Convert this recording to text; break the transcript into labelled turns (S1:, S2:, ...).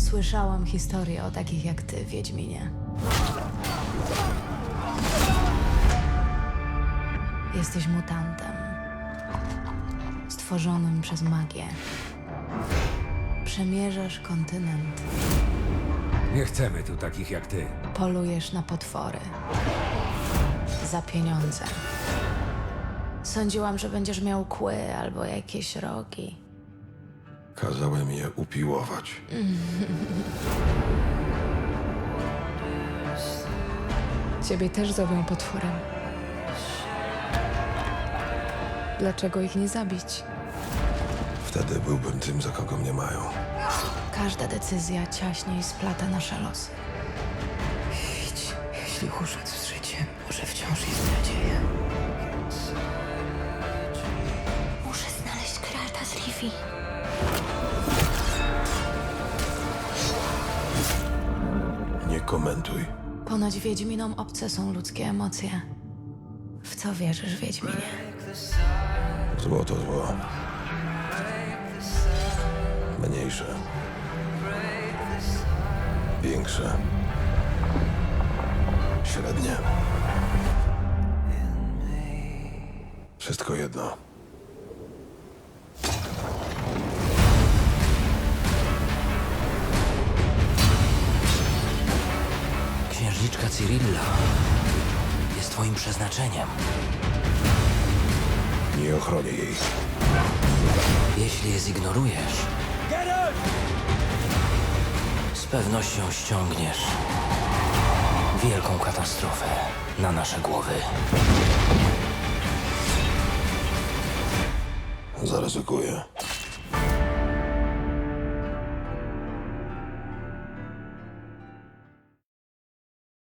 S1: Słyszałam historię o takich jak ty, Wiedźminie. Jesteś mutantem. Stworzonym przez magię. Przemierzasz kontynent.
S2: Nie chcemy tu takich jak ty.
S1: Polujesz na potwory. Za pieniądze. Sądziłam, że będziesz miał kły albo jakieś rogi.
S3: Kazałem je upiłować.
S1: Ciebie też zowią potworem. Dlaczego ich nie zabić?
S3: Wtedy byłbym tym, za kogo mnie mają.
S1: Każda decyzja ciaśniej splata nasze losy.
S4: Idź. Jeśli uszedł z życiem, może wciąż jest nadzieja.
S5: Muszę znaleźć Geralta z Rivii.
S3: Nie komentuj.
S1: Ponoć Wiedźminom obce są ludzkie emocje. W co wierzysz, Wiedźminie?
S3: Zło to zło. Mniejsze. Większe. Średnie. Wszystko jedno.
S4: Księżniczka Cyrilla jest twoim przeznaczeniem.
S3: Nie ochronię jej.
S4: Jeśli je zignorujesz, z pewnością ściągniesz wielką katastrofę na nasze głowy.
S3: Zaryzykuję.